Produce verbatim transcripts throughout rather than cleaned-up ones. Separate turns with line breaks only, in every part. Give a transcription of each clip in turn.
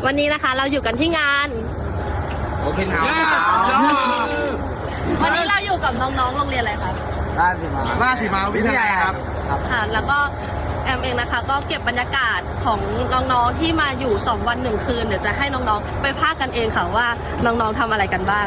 วันนี้นะคะเราอยู่กันที่งาน
โอเคครับ
วันนี้เราอยู่กับน้องๆโรงเรียนอะไรครับ
ราชสีมาราชสีมาวิทยาลัยครับ
ค่ะแล้วก็แอมเองนะคะก็เก็บบรรยากาศของน้องๆที่มาอยู่สองวันหนึ่งคืนเดี๋ยวจะให้น้องๆไปพากกันเองค่ะว่าน้องๆทำอะไรกันบ้าง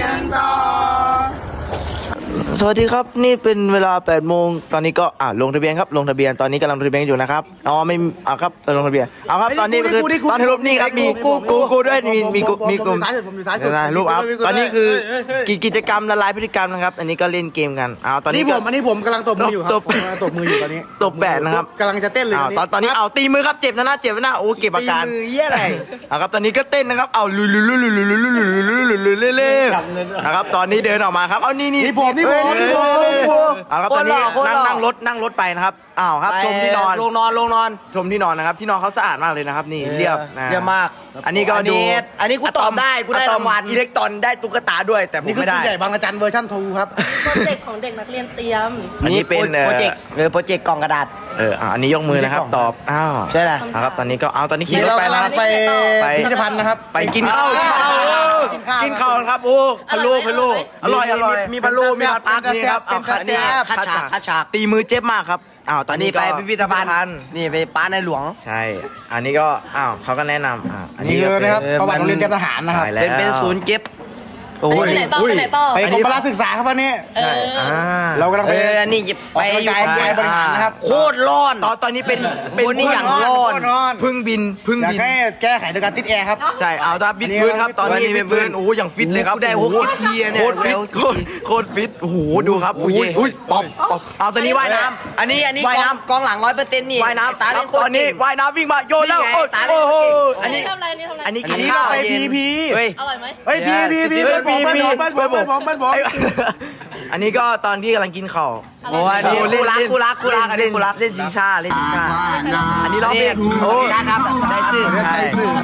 สวัสดีครับนี่เป็นเวลาแปดโมงตอนนี้ก็อ่าลงทะเบียนครับลงทะเบียนตอนนี้กำลังลงทะเบียนอยู่นะครับอ๋อไม่อ่าครับลงทะเบียนเอาครับตอนนี้คือตอนที่รูปนี่ครับมีกูกูกูด้วยมีมีกูมีกลุ่มรูปเอาตอนนี้คือกิจกรรมละลายพฤติกรรมนะครับอันนี้ก็เล่นเกมกันเอาตอนนี้
ผมอันนี้ผมกำลังตบมืออยู่ครับผมกำลังตบมืออยู่ตอนนี้
ตบแบดนะครับ
กำลังจะเต้นเลย
ตอนตอนนี้เอาตีมือครับเจ็บนะนะเจ็บนะโอ้เก็บอาการ
ตีมือเยี่ยอะไร
เอาครับตอนนี้ก็เต้นนะครับเอาลุลุลุลุลุลุลุลุลุลุลุลุเล่นะครับตอนนี้เดินออกมาครับเอานี่นี่
นี่ผมนี่ผมนี่ผม
เอาครับตอนนี้นั่งนั่งรถนั่งรถไปนะครับอ้าวครับชมที่นอน
ลงนอนลงนอน
ชมที่นอนนะครับที่นอนเขาสะอาดมากเลยนะครับนี่เรียบ
เรียบมาก
อันนี้ก็ดู
อันนี้กูตอบได้กูได้รางวัล
อิเล็กตรอนได้ตุ๊กตาด้วยแต่ผมไม่ได้
นี่คือใหญ่บางอาจารย์เวอร์ชันทูครับ
โปรเจกต์ของเด็กนักเรียนเตรียม
อันนี้เป็น
โปรเจกต์เออโปรเจกต์กล่องกระดาษ
เอออันนี้ยกมือนะครับตอบอ้าว
ใช่แหละ
ครับตอนนี้ก็เอาตอนนี้ขี่รถไป
นะครับไปไปพิพิธภัณฑ์นะครับ
ไปกินข้าวกินข้าวครับโอ้พะโล้พะโล้อร่อยอร่อยมีพะโล้มีผัดผักนี่ครับเอาคัดนี่
คัดฉากคัดฉาก
ตีมือเจ็บมากครับอ้าวตอนนี้
ไปพิพิธภัณฑ์นี่ไปป้าในหลวง
ใช่อันนี้ก็อ้าวเขาก็แนะนำอ่า
อันนี้คือนะครับประวัติโรงเรียนเตรียมทหารนะครับ
เป็น
เป็นศูนย์เก็บ
โอ้ยไปไหนต่อ
ไปกรมพละศึกษาครับวันนี้
ใช่
เรากำลังไป
อันนี้
ไปอยู่ไปบริหารนะครับ
โคตรร้อนตอนตอนนี้เป็นเป็น
นี่อย่างร้อน
พึ่งบินพึ่งบิน
อยากให้แก้ไขโดยการติดแอร์ครับ
ใช่เอาถ้าบิดพื้นครับตอนนี้เป็นพื้นโอ้อย่างฟิตเลยครับ
ได้หกสิบทีเนี่ย
โคตรฟิตโคตรฟิตโอ้โหดูครับอุ้ยอุ้ยป๊อปป๊อปเอาตอนนี้ว่ายน้ำ
อันนี้อันนี้ว่ายน้ำกองหลังร้อยเปอร์เซ็นต์นี่
ว่ายน้ำตาตอนนี้ว่ายน้ำวิ่งมาโยนแล้วโอ้โหอันนี้
ทำอะไรนี่ทำอะไร
อันนี้กินข้าว
ไปพีพี
อร่อยไหม
เฮ้ยพีพีพีเบิ้ลบอลเบิ้ลบอลเบิ้ลบอลเบิ้ลบอลเบิ้ลบอล
อันนี้ก็ตอนที่กำลังกินข้าว
โอ้ยนี่คู่รักคู่รักคู่รักอันนี้คู่รัก
เล่นชิงชาเล่นชิงชาอันนี้ร้องเพลงโอ้
ได้ครับได้ชื่อ
ได้ชื่อ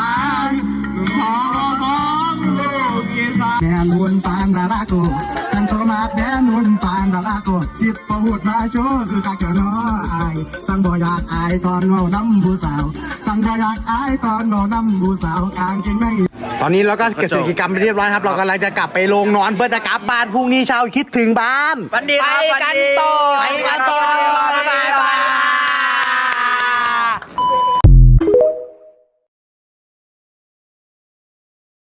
แดนวนปานดาราโกกันโทมาแดนวนปานดาราโกสิบประหุดมาโชว์คือกักเจาน้ออายสั่งบ่อยากอายตอนเมาน้ำผู้สาวสั่งบ่อยากอายตอนเมาน้ำผู้สาวกลางเก่งใน
ตอนนี้เราก็เก็บกิจกรรมไปเรียบร้อยครับเรากำลังจะกลับไปโรงนอนเพื่อจะกลับบ้านพรุ่งนี้เช้าคิดถึงบ้าน
วันดีครับ
ไปกันต่อไปกันต่อบ๊ายบาย